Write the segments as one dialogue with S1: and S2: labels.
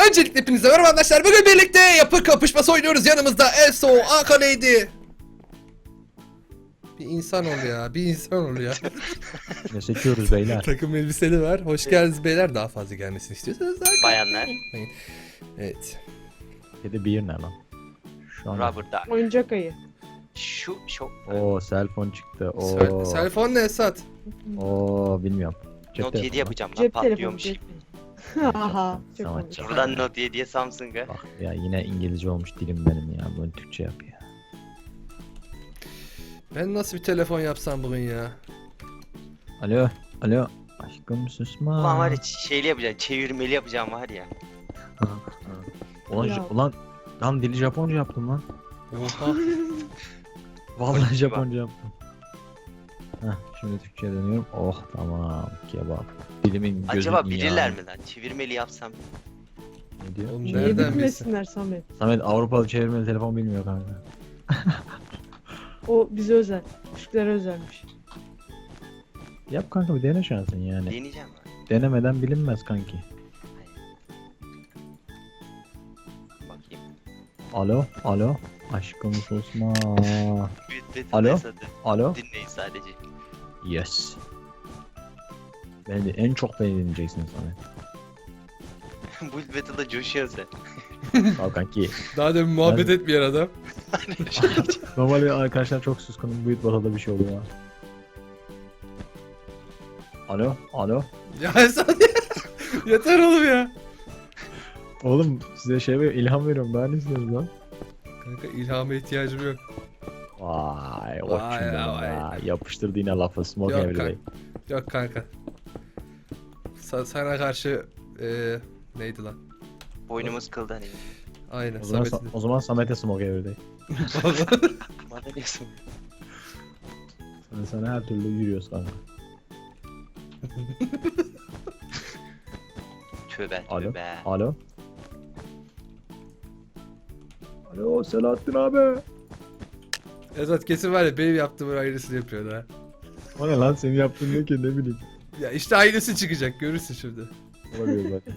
S1: Öncelikle hepinize merhaba arkadaşlar. Bugün birlikte yapı kapışması oynuyoruz. Yanımızda Eso, Akaneydi. Bir insan ol ya, bir insan ol ya.
S2: Ne seçiyoruz beyler?
S1: Takım elbiseli var. Hoş geldiniz beyler. Daha fazla gelmesini istiyorsanız zaten.
S3: Bayanlar.
S1: Evet.
S2: Kedi bir ne lan? Şu an.
S3: Rubber duck.
S4: Oyuncak ayı.
S3: Şu.
S2: Oo cell phone çıktı. Oo.
S1: Telefon ne Esat?
S2: Oo bilmiyorum. Cep
S3: Note 7
S2: telefonu.
S3: yapacağım lan
S4: Cep telefonu.
S3: patlıyormuş.
S4: Cep telefonu. Haha. Çok
S2: Tamam,
S4: komik.
S2: çok-
S3: Buradan Note 7'ye Samsung'a.
S2: Bak ya yine İngilizce olmuş dilim benim ya. Bunu Türkçe yap ya.
S1: Ben nasıl bir telefon yapsam bugün ya?
S2: Alo. Alo. Aşkım susma.
S3: Ulan var ya şeyli yapacağım, çevirmeli yapacağım var ya.
S2: Ulan,
S4: Ya.
S2: ulan lan dili Japonca yaptım lan.
S1: Oha.
S2: Vallahi
S3: Konnichiwa.
S2: Japonca yaptım. Heh, şimdi Türkçe'ye dönüyorum. Oh tamam kebap. Dilimin gözü
S3: Acaba bilirler
S2: dünya.
S3: mi lan? Çevirmeli yapsam.
S2: Ne diyor?
S1: Oğlum
S4: Niye
S1: nereden bilsin?
S4: bilmesinler Samet?
S2: Samet Avrupalı çevirmeli telefon bilmiyor kanka.
S4: O bize özel. Türklere özelmiş.
S2: Yap kanka bir dene şansın yani.
S3: Deneyeceğim ben.
S2: Denemeden bilinmez kanki.
S3: Bakayım.
S2: Alo, alo. Aşkım susma.
S3: Büyüt
S2: Alo?
S3: Battle'da
S2: Alo.
S3: dinleyin sadece.
S2: Yes. Beni en çok beni dinleyeceksin Samet.
S3: Build Battle'da coşuyorsun sen.
S2: Al kanki.
S1: Daha demin muhabbet etmeyen adam.
S2: Normalde arkadaşlar çok suskunum. Büyük basada bir şey oluyor. Alo, alo.
S1: Ya Esat yeter oğlum ya.
S2: Oğlum size şey veriyorum, ilham veriyorum. Daha ne istiyorsunuz lan?
S1: Kanka ilhama ihtiyacım yok.
S2: Vay,
S1: Vay
S2: koçum benim
S1: vay.
S2: ya. Yapıştırdı yine lafı. Smoke
S1: Yok
S2: every day.
S1: Yok kanka. Sana karşı neydi lan?
S3: Boynumuz kıldı hani.
S1: Aynen.
S2: O zaman,
S1: Samet'in.
S2: o zaman Samet'e smoke every day.
S3: Bana diyorsun.
S2: Sana her türlü yürüyoruz kanka.
S3: Tövbe
S2: Alo.
S3: tövbe.
S2: Alo. Alo Selahattin abi.
S1: Esat kesin var ya benim yaptığımın aynısını yapıyor ha.
S2: O ne lan senin yaptığın ne ki ne bileyim.
S1: Ya işte aynısı çıkacak görürsün şimdi.
S2: Olabilir bak.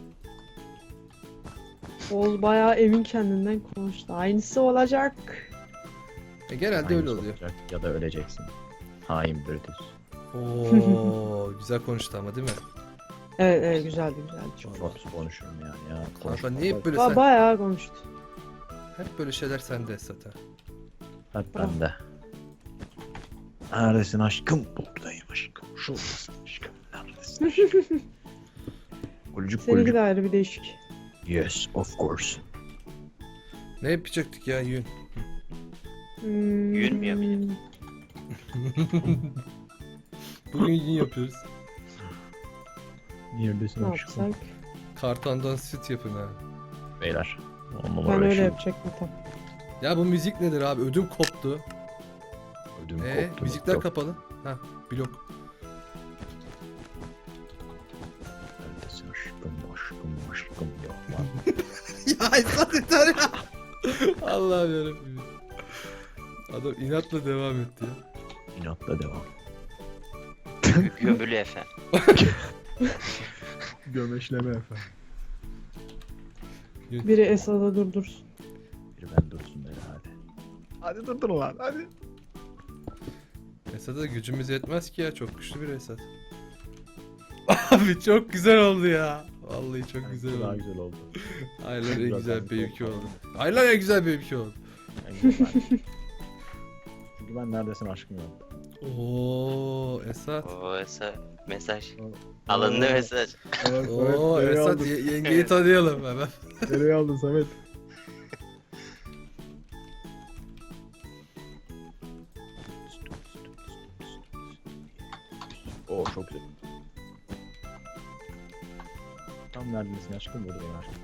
S4: Oğuz bayağı emin kendinden konuştu. Aynısı olacak.
S1: Genelde öyle oluyor.
S2: Olacak ya da öleceksin. Hain Brutus.
S1: Oo güzel konuştu ama değil mi?
S4: Evet evet güzeldi güzeldi.
S2: Çok fazla konuşurum yani ya.
S1: Kanka niye hep böyle
S4: Bayağı konuştu.
S1: hep böyle şeyler sende Esat ha?
S2: Hep bende. Neredesin aşkım? Buradayım aşkım. Şuradasın aşkım. Neredesin aşkım? Gülcük
S4: Seninki
S2: gülcük.
S4: de ayrı bir değişik.
S2: Yes of course.
S1: Ne yapacaktık ya yün?
S3: Yürümüyor bile.
S1: Bugün yün yapıyoruz.
S2: Neredesin
S4: Ne
S2: aşkım?
S4: yapsak?
S1: Kartondan süt yapın ha.
S2: Beyler. On
S4: Ben
S2: numara
S4: öyle
S2: yaşıyorum.
S4: yapacaktım tam.
S1: Ya bu müzik nedir abi? Ödüm koptu.
S2: Ödüm koptu.
S1: Müzikler
S2: Yok.
S1: kapalı. Ha blok.
S2: Neredesin aşkım aşkım aşkım yok lan.
S1: Ya Esat yeter ya. Allah'ım yarabbim. Adam inatla devam etti ya.
S2: İnatla devam.
S3: Gömülü efendim.
S2: Gömeşleme efendim.
S4: Biri Esad'a durdursun.
S2: Bir ben dursun beni hadi. Hadi durdur lan hadi.
S1: Esat'a gücümüz yetmez ki ya. Çok güçlü bir Esat. Abi çok güzel oldu ya. Vallahi çok güzel
S2: Daha
S1: oldu.
S2: güzel oldu.
S1: Aynen en
S2: Biraz
S1: güzel
S2: daha
S1: benimki
S2: çok
S1: oldu. Aynen en güzel benimki oldu.
S2: En güzel. Çünkü ben neredesin aşkım yaptım.
S1: Oo Esat.
S3: Oo mesaj. Alındı mesaj.
S1: Oo Esat yengeyi tanıyalım hemen.
S2: Nereye aldın Samet? Oo çok güzel. Tam neredesin aşkım buradayım aşkım.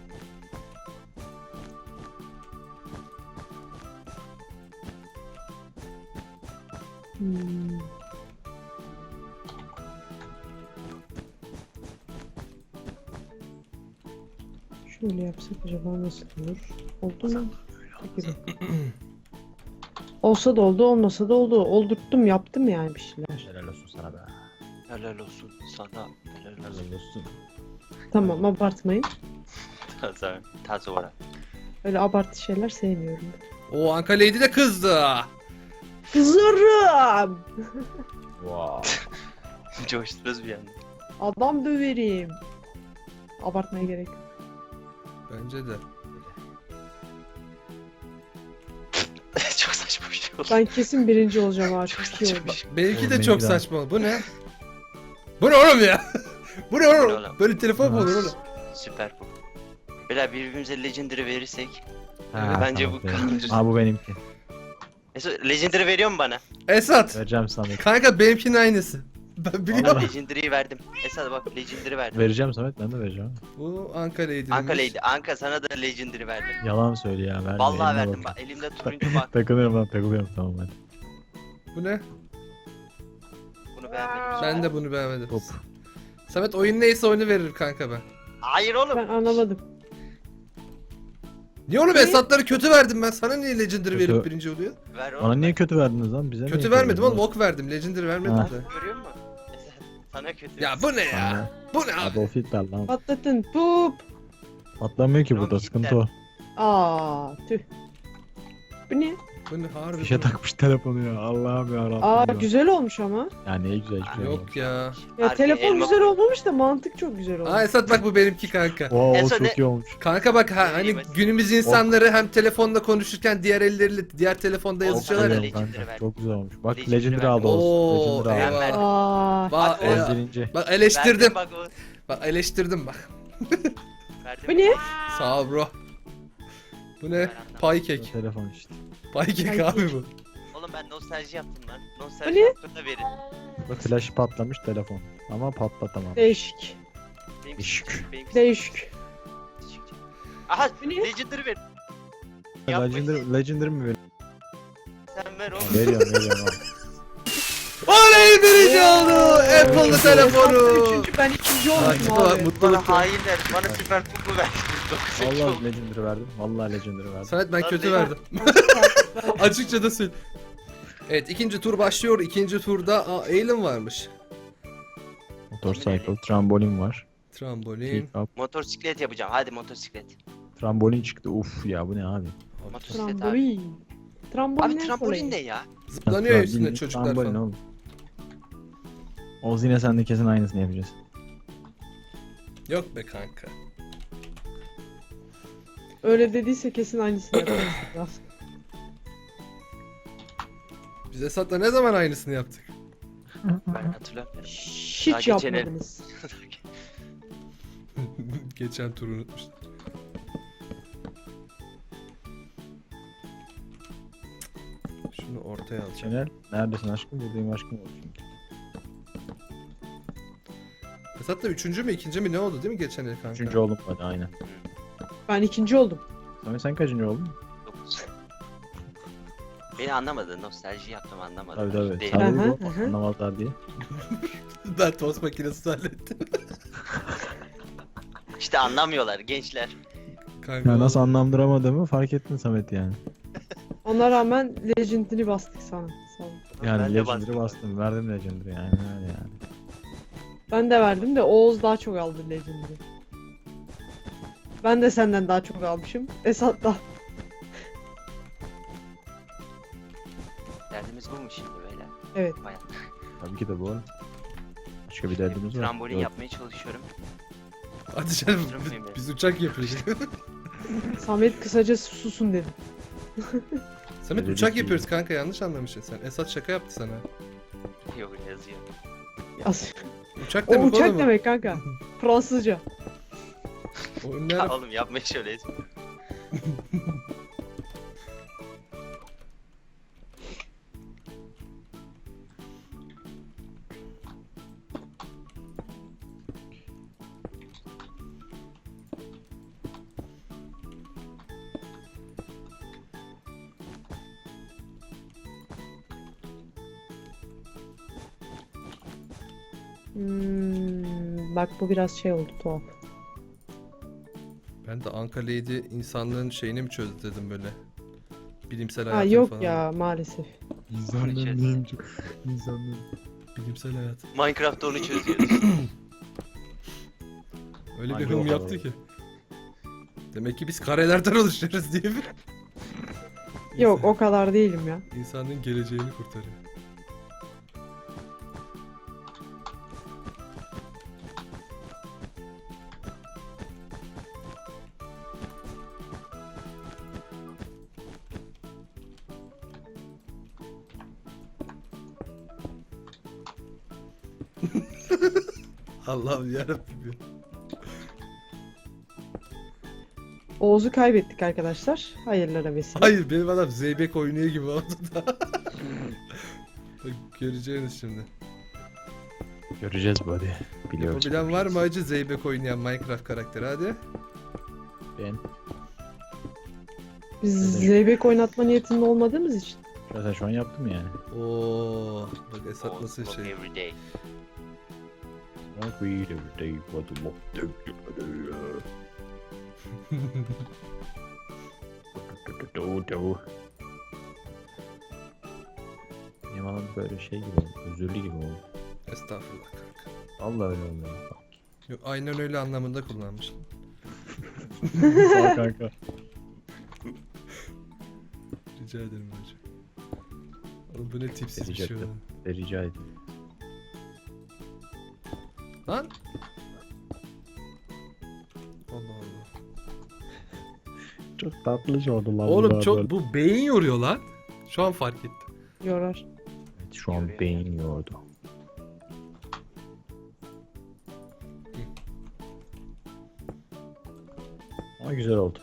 S4: Hmm. Şöyle yapsak acaba nasıl olur? Oldu mu? Peki bak. Olsa da oldu, olmasa da oldu. Oldurttum, yaptım yani bir şeyler.
S2: Helal olsun sana be.
S3: Helal olsun sana. Helal olsun.
S2: Helal olsun.
S4: Tamam, abartmayın.
S3: Tazo var.
S4: Öyle abartı şeyler sevmiyorum.
S1: O Anka Lady de kızdı.
S4: Kızarım.
S2: Wow.
S3: Coştunuz bir anda.
S4: Adam döverim. Abartmaya gerek yok.
S1: Bence de.
S3: Çok saçma bir şey oldu.
S4: Ben kesin birinci olacağım abi.
S3: Çok
S4: Çok iyi
S3: saçma
S4: oldu.
S3: bir şey.
S1: Benimki de
S2: Oğlum,
S1: çok
S2: benimki de.
S1: saçma. Bu ne? Bu ne oğlum ya? Bu ne oğlum?
S3: oğlum?
S1: Böyle telefon mu olur oğlum?
S3: Süper bu. Beyler birbirimize Legendary verirsek.
S2: Ha,
S3: Bence
S2: tamam,
S3: bu
S2: benim.
S3: kalır.
S2: Aa bu benimki.
S3: Mesut Legendary veriyor mu bana?
S1: Esat.
S2: Vereceğim Samet.
S1: Kanka benimkinin aynısı. Ben
S3: Ben
S1: biliyorum.
S3: Legendary'yi verdim. Esad bak Legendary verdim.
S2: Vereceğim Samet, ben de vereceğim.
S1: Bu Anka Lady'ymiş.
S3: Anka Lady. Anka sana da Legendary verdim.
S2: Yalan söyle ya, verme.
S3: Vallahi
S2: eline
S3: verdim
S2: bak.
S3: bak. Elimde turuncu bak.
S2: Takılıyorum lan, takılıyorum, tamam hadi.
S1: Bu ne?
S3: Bunu beğenmedim.
S1: Ben de bunu beğenmedim.
S2: Hop.
S1: Samet oyun neyse oyunu veririm kanka ben.
S3: Hayır oğlum.
S4: Ben anlamadım.
S1: Niye oğlum Esat'ları kötü verdim ben? Sana niye Legendary
S2: Kötü-
S1: verip birinci oluyor?
S3: Ver oğlum.
S2: Bana niye kötü verdiniz lan, bize
S1: Kötü
S2: niye
S1: vermedim oğlum,
S2: verdiniz?
S1: ok verdim. Legendary vermedim
S2: Ha.
S1: de.
S3: Görüyor musun? Esad sana kötü.
S1: Ya bu ne ya?
S2: Aynen.
S1: Bu ne abi?
S2: Adolf Hitler lan.
S4: Patlatın. Pup.
S2: Patlamıyor ki
S3: Tamam,
S2: burada, sıkıntı o.
S4: Aa tüh. Bu ne?
S1: Bu ne harbi?
S2: Fişe
S1: bu ne?
S2: takmış telefonu ya, Allah'ım yarabbim.
S4: Aa
S2: ya.
S4: güzel olmuş ama.
S2: Ya ne güzel, hiçbir şey yok.
S1: Yok ya.
S4: Ya
S3: Arkaya
S4: telefon
S3: elma
S4: güzel
S3: koy.
S4: olmamış da mantık çok güzel olmuş.
S1: Aa Esat bak bu benimki kanka.
S2: Wow,
S3: En son
S2: çok
S3: ne-
S2: iyi olmuş.
S1: Kanka bak ha, hani
S3: Yemez.
S1: günümüz insanları hem telefonda konuşurken diğer elleriyle diğer telefonda yazışıyorlar
S3: kadar
S1: ya.
S3: Legendary
S2: Kanka,
S3: verdim.
S2: çok güzel olmuş. Bak
S3: Legendary
S2: Legendary
S3: verdim.
S2: aldı olsun.
S1: Oo,
S2: Legendary
S3: Ben
S2: aldı.
S3: verdim.
S4: Aa.
S1: Bak,
S3: Hadi
S2: En birinci.
S1: bak eleştirdim.
S3: Verdim bak o.
S1: Bak eleştirdim bak.
S3: Verdim.
S4: Bu ne?
S1: Sağ ol bro. Bu ne?
S3: Ben anlamadım.
S1: Pay kek.
S2: Telefon işte.
S1: Pay kek
S4: Pay
S1: abi
S4: kek.
S1: bu.
S3: Oğlum ben nostalji yaptım lan.
S4: Bu
S3: Nostalji
S4: ne?
S3: yaptım da verin.
S2: Bak flash patlamış telefon. Ama patlatamam.
S4: Değişik.
S3: Benimki
S2: Şık.
S3: küçük, benimki
S4: Değişik.
S3: küçük. Aha
S4: Bu ne?
S3: Legendary ver. Yapma.
S2: Legendary mi veriyor?
S3: Sen ver oğlum.
S2: Veriyorum abi.
S1: Oley birinci oldu. Apple'lı
S4: Hatta
S1: telefonu.
S4: üçüncü, ben ikinci
S1: Hadi
S4: oldum
S1: bak,
S4: abi.
S1: mutluluk.
S3: Bana hainler. Bana süper kutu ver. 9
S2: Vallahi Legendary verdim. Vallahi Legendary verdim.
S1: Samet ben
S3: Lan
S1: kötü
S3: ne-
S1: verdim. Açıkça da söyle. Evet ikinci tur başlıyor. İkinci turda Alien varmış.
S2: Motorcycle, trambolin var.
S1: Trambolin.
S2: Pick up,
S3: Motosiklet yapacağım. Hadi motosiklet.
S2: trambolin çıktı. Uf ya, bu ne abi?
S3: Motosiklet abi.
S4: Trambolin. Trambolin
S3: Abi
S4: ne
S3: trambolin
S4: kolay?
S3: ne ya?
S1: Zıplanıyor ya üstünde
S2: Bildiğin
S1: çocuklar
S2: trambolin
S1: falan.
S2: oğlum. Oğuz yine sen de kesin aynısını yapacağız.
S1: Yok be kanka.
S4: Öyle dediyse kesin aynısını yaparız.
S1: Biz Esat'la ne zaman aynısını yaptık?
S3: Ben hatırlamıyorum.
S4: Hiç
S3: Daha geçen el.
S4: yapmadınız.
S1: Geçen turu unutmuştum. Şunu ortaya alacağım.
S2: Şener, neredesin aşkım? Buradayım aşkım olsun.
S1: Esat da üçüncü mü ikinci mi ne oldu değil mi geçen el kanka?
S2: Üçüncü oldum hadi, aynen.
S4: Ben ikinci oldum.
S2: Samet sen kaçıncı oldun?
S3: 9. Beni anlamadın. Nostalji yaptım anlamadın.
S2: Tabii tabii.
S3: Değil.
S2: Sen
S4: Hı
S2: de
S4: hı,
S2: bu
S4: hı hı.
S2: anlamazlar diye.
S1: Ben tost makinesi hallettim.
S3: İşte anlamıyorlar gençler.
S1: Kanka.
S2: Ya nasıl anlamlandıramadığımı fark ettin Samet yani.
S4: Ona rağmen Legend'ini bastık sana. Sağ ol.
S2: Yani
S3: Ben de
S2: Legendary'i
S3: bastım.
S2: bastım, verdim Legendary yani öyle yani.
S4: Ben de verdim de Oğuz daha çok aldı Legend'ini. Ben de senden daha çok almışım. Esat da.
S3: Derdimiz bu mu şimdi böyle?
S4: Evet.
S3: Bayağı.
S2: Tabii ki de bu arada. Başka bir derdimiz var.
S3: Trambolin
S2: Yok.
S3: yapmaya çalışıyorum.
S1: Hadi canım
S3: Durmayayım ben.
S1: biz uçak yapıyoruz.
S4: Samet kısaca susun dedi.
S1: Samet
S2: Öyle
S1: uçak
S2: değil.
S1: yapıyoruz kanka yanlış anlamışsın sen. Esat şaka yaptı sana.
S3: Yok yazıyor.
S4: Yaz.
S1: Uçak
S4: O
S1: demek
S4: uçak
S1: oğlum.
S4: demek kanka. Fransızca.
S1: O ne
S3: Ya
S1: ara-
S3: oğlum yapma şöyle.
S4: Bak bu biraz şey oldu tuhaf.
S1: Ben de Anka Lady insanlığın şeyini mi çözdü dedim böyle. Bilimsel
S4: Ha
S1: hayatını
S4: yok
S1: falan.
S4: ya maalesef.
S2: İnsanlığın
S3: Konuşuyoruz.
S2: neymiş? İnsanlığın.
S1: Bilimsel hayat.
S3: Minecraft'ta onu çözüyoruz.
S1: Öyle bir
S2: Hangi
S1: hım
S2: oda
S1: yaptı
S2: var?
S1: ki. Demek ki biz karelerden oluşuyoruz diye bir.
S4: Yok o kadar değilim ya.
S1: İnsanın geleceğini kurtarıyor. Allah'ım yarabbim ya.
S4: Oğuz'u kaybettik arkadaşlar. Hayırlara vesile.
S1: Hayır benim adam Zeybek oynuyor gibi oldu da. Bak, göreceğiniz şimdi.
S2: Göreceğiz böyle. Biliyoruz.
S1: Yapabilen var mı acı Zeybek oynayan Minecraft karakteri hadi.
S2: Ben.
S4: Biz zeybek oynatma niyetinde olmadığımız için.
S2: Zaten şu an yaptım yani.
S1: Oo, bak Esat nasıl
S3: Walk
S1: şey.
S3: every day.
S2: Bak we every day what the lock Benim adam böyle şey gibi oldu. Özürlü gibi oldu.
S1: Estağfurullah kanka.
S2: Allah öyle oldu.
S1: Yok, aynen öyle anlamında kullanmış.
S2: Sağ kanka.
S1: Rica ederim hocam. Oğlum bu ne tipsiz bir şey
S2: Rica
S1: oldu.
S2: Rica ederim.
S1: Lan! Allah Allah.
S2: Çok tatlı oldu lan.
S1: Oğlum çok bu beyin yoruyor lan. Şu an fark ettim.
S4: Yorar.
S2: Evet, şu an beyin yordu. Ama güzel oldu.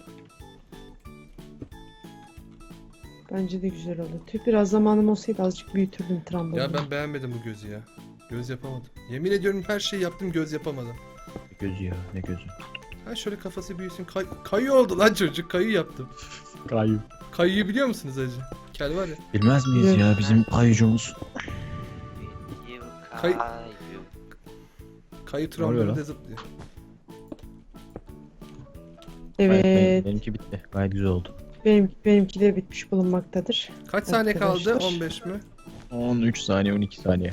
S4: Bence de güzel oldu. Tüh biraz zamanım olsaydı azıcık büyütürdüm trambolini.
S1: Ya ben beğenmedim bu gözü ya. Göz yapamadım. Yemin ediyorum her şeyi yaptım göz yapamadım.
S2: Ne gözü ya ne gözü.
S1: Ha şöyle kafası büyüsün. Kayı oldu lan çocuk. Kayı yaptım.
S2: Kayıp.
S1: Kayıyı biliyor musunuz acı? Kel var ya.
S2: Bilmez miyiz ya bizim kayıcımız?
S3: You
S1: Kay-
S3: kayu.
S1: Kayı
S2: oluyor
S1: trambolinde
S2: lan?
S1: zıplıyor.
S4: Evet.
S2: Benimki bitti. Gayet güzel oldu.
S4: Benimki de bitmiş bulunmaktadır.
S1: Kaç saniye kaldı?
S4: Arkadaşlar.
S1: 15 mi?
S2: 13 saniye 12 saniye.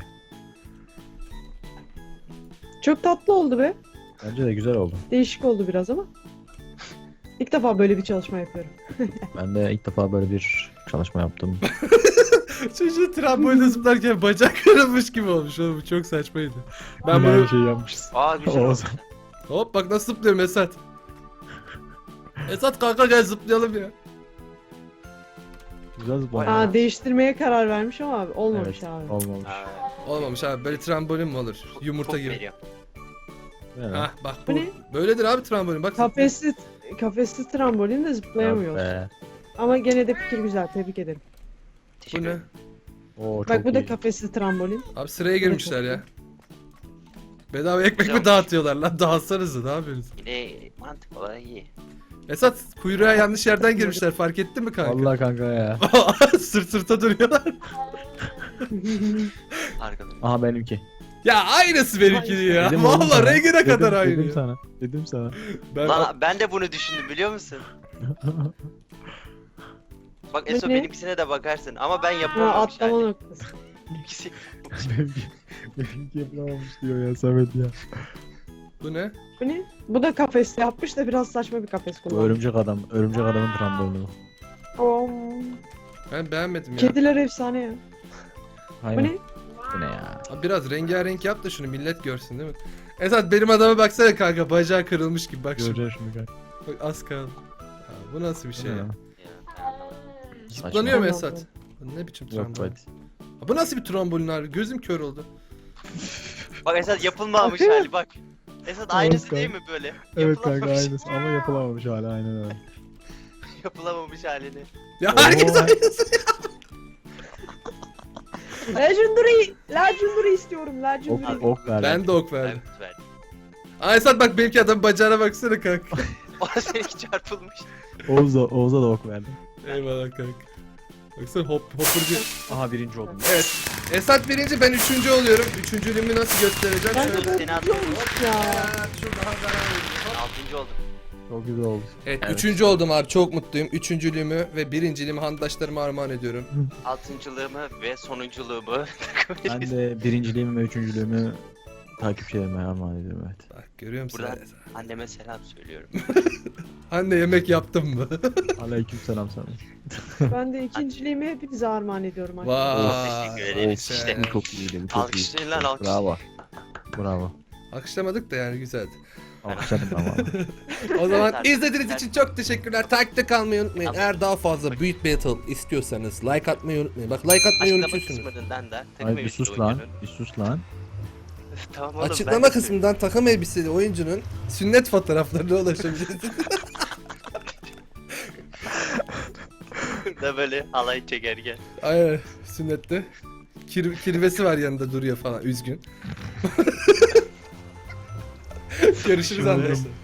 S4: Çok tatlı oldu be.
S2: Bence de güzel oldu.
S4: Değişik oldu biraz ama. İlk defa böyle bir çalışma yapıyorum.
S2: Ben de ilk defa böyle bir çalışma yaptım.
S1: Çocuğun trambolinde zıplarken bacak kırılmış gibi olmuş oğlum. Bu çok saçmaydı. Ben bunu...
S2: şey yapmışız.
S3: Aa güzel oldu.
S2: Oğuz.
S1: Hop bak nasıl zıplıyorum Esat. Esat kanka gel zıplayalım ya.
S2: Güzel zıpladı.
S4: Aa değiştirmeye karar vermiş ama abi olmamış
S2: Evet,
S4: abi.
S2: olmamış.
S3: Aa,
S1: Olmamış abi böyle trambolin mi olur? Yumurta
S3: puf
S1: gibi.
S3: veriyor.
S2: Ne lan?
S1: Hah bak
S4: Bu
S1: bu.
S4: ne?
S1: Böyledir abi trambolin bak.
S4: Kafesli trambolin de zıplayamıyor.
S2: Be.
S4: Ama gene de fikir güzel. Tebrik ederim.
S1: Bu
S3: Teşekkür
S1: ne?
S3: ederim.
S2: Oo, çok
S4: Bak bu da
S2: iyi.
S4: kafesli trambolin.
S1: Abi sıraya girmişler ya. Bedava ekmek
S3: Güzel
S1: mi
S3: olmuş.
S1: dağıtıyorlar lan? Dağıtsanıza ne yapıyorsunuz?
S3: Yine mantık olarak iyi.
S1: Esat kuyruğa yanlış yerden girmişler fark ettin mi kanka?
S2: Allah kanka ya.
S1: Sırt sırta duruyorlar.
S3: Arkadan.
S2: Aha benimki.
S1: Ya aynısı benimki ya.
S2: Dedim oğlum
S1: Valla
S2: sana.
S1: rengine kadar aynı.
S2: Dedim
S1: ya.
S2: sana. Dedim sana.
S1: Ben
S3: Lan ben de bunu düşündüm biliyor musun? Bak Eso
S4: Ne?
S3: benimkisine de bakarsın ama ben
S4: Ha,
S3: yapamamış
S4: atlama
S3: hani.
S4: noktası.
S3: Benimkisi-
S2: benimki yapılamamış diyor ya Samet ya.
S1: bu ne?
S4: Bu ne? Bu da kafesli yapmış da biraz saçma bir kafes
S2: Bu
S4: kullanmış.
S2: örümcek adam. Örümcek adamın trambolini bu.
S4: Oo.
S1: Ben beğenmedim ya.
S4: Kediler efsane ya. Bu
S2: Aynen.
S4: ne?
S2: Bu ne ya?
S1: Abi biraz rengarenk yap da şunu millet görsün değil mi? Esat benim adama baksana kanka bacağı kırılmış gibi bak şimdi.
S2: Göreceğiz şimdi kanka.
S1: Bak az kaldı. Aa, bu nasıl bir şey ya?
S3: Ya,
S1: Zıplanıyor mu
S4: Saçma.
S1: Esat? Bu ne biçim
S2: Yok
S1: trambolin?
S2: hadi.
S1: Aa, bu nasıl bir trambolin abi? Gözüm kör oldu.
S3: Bak Esat yapılmamış hali bak. Esat aynısı değil mi böyle?
S2: Evet kanka
S3: Yapılamamış-
S2: aynısı ama yapılamamış hala aynen öyle.
S3: Yapılamamış halini.
S1: Ya herkes
S2: Oo.
S1: aynısı.
S4: Legendary istiyorum. Legendary.
S2: Ok ver.
S1: Ben de ok verdim.
S3: Evet verdim.
S1: Aa Esat bak benimki adam bacağına baksana kanka.
S3: O seninki çarpılmış.
S2: Oğuz'a da ok verdim.
S1: Eyvallah kanka. Baksana hopperci.
S2: Aha birinci oldum.
S1: Evet. Esat birinci ben üçüncü oluyorum. Üçüncülüğümü nasıl göstereceğim?
S4: Ben de
S1: Şöyle.
S4: böyle
S3: Seni
S4: bir
S3: atladım.
S4: olmuş ya.
S1: Şu daha daha.
S3: 6. oldum.
S2: Çok güzel oldu.
S1: Evet,
S3: Evet.
S1: üçüncü oldum abi çok mutluyum. Üçüncülüğümü ve birinciliğimi handaşlarıma armağan ediyorum.
S3: 6.lığımı ve sonunculuğumu
S2: Ben de birinciliğimi ve üçüncülüğümü takipçilerime armağan ediyorum evet.
S1: Bak görüyor musun?
S3: Buradan anneme selam söylüyorum.
S1: Anne yemek yaptın mı?
S2: Aleykümselam sana.
S4: Ben de ikinciliğimi hepinize armağan ediyorum arkadaşlar.
S1: Vay.
S3: Teşekkür ederiz
S1: işte.
S3: işte.
S2: Bu çok iyiydi bu çok iyi.
S3: Alkışlayın lan alkış.
S2: Bravo. Bravo.
S1: Akışlamadık da yani güzeldi.
S2: Alkışladım ama.
S1: O zaman
S3: Evet,
S1: izlediğiniz için çok teşekkürler. Takipte kalmayı unutmayın.
S3: Tamam.
S1: Eğer daha fazla Büyük Battle istiyorsanız like atmayı unutmayın. Bak like atmayı
S3: Açıklama
S1: unutuyorsunuz.
S3: kısmından da takım
S2: Ay bir
S3: elbiseli
S2: sus lan.
S3: oyuncunun.
S2: Bir sus lan.
S3: Tamam oğlum,
S1: Açıklama
S3: ben de
S1: kısmından takım elbiseli oyuncunun sünnet fotoğraflarına ulaşabilirsiniz.
S3: da böyle halay çekerken.
S1: Aynen sünnette. Kirvesi var yanında duruyor falan üzgün. Görüşürüz
S2: Şunu-
S1: arkadaşlar.